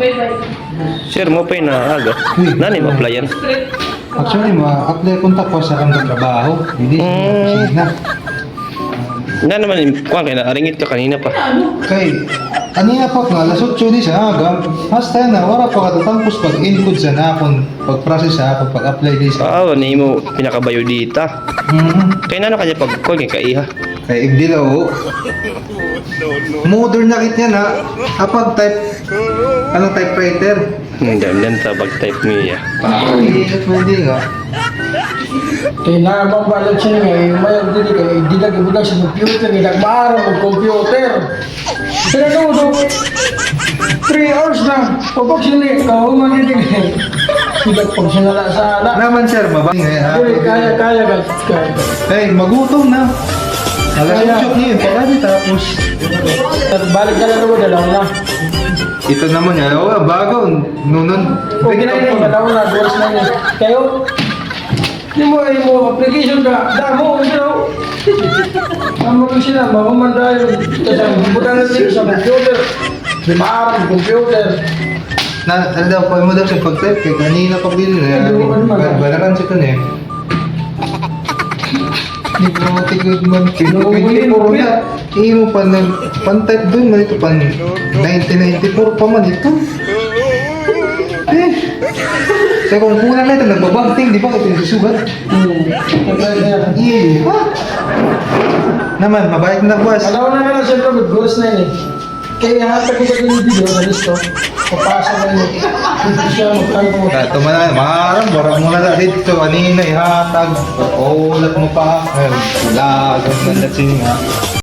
Sir, mo pa na aga. Nani mo applyan? Actually, ma-apply kong tapos sa kang trabaho. Hindi sa opisina. Na naman, kuha kayo na, aringit ka kanina pa. Kay, kanina pa nga, alas 8 di sa aga. Hasta na, wala pa katatapos pag-input sa nakon, pag-process sa akong pag-apply di sa... Ni mo pinakabayo dita. Kaya na kanya pag kuha kayo kaiha. Kay Igdilaw. Modern na kit yan ha. Kapag type, anong typewriter? Dan sa pag-type niya. Pakaiingat mo hindi nga. Kaya nakapambalat siya nga, yung mayroon din kaya hindi na gibulag sa computer, hindi nagmaaraw ng computer. Pinagawdo, 3 hours na, pabag siya niya, kahuman din eh. Hindi pag siya nala sa ala. Naman sir, mabang nga. Kaya, guys. Hey, magutom na. Alas 8 niyo, pagkali tapos. Balik ka na naman, dalaw na. Ito naman yan, bago, nunon. O, ginayin na, dalaw na, 2 hours na niya. Kayo, hindi mo, application ka, damo, ito. Tama ko sila, mamamanda yun. Kasi buta na siya sa computer. Di maarang computer. Ano daw, pag mo daw sa pag-type, kaya kanina pa bilin na. Balakan siya kan eh. Hindi ko matigod man. 24 na. Hindi mo pa pan-type doon man ito. 1994 pa man ito. Kaya kung kulang na ito, nagbabagting, di ba? Ito yung susugat. Iya. Naman, mabait na buwas. Alaw na lang siyempre, good goals na yun eh. Kaya hatag ko ba din yung video na listo? Papasa na yun. Hindi siya magkano mo. Ito man na, maharang, barang mo na dahil ito. Kanina, ihatag. Ulat mo pa. Wala, ganda na siya.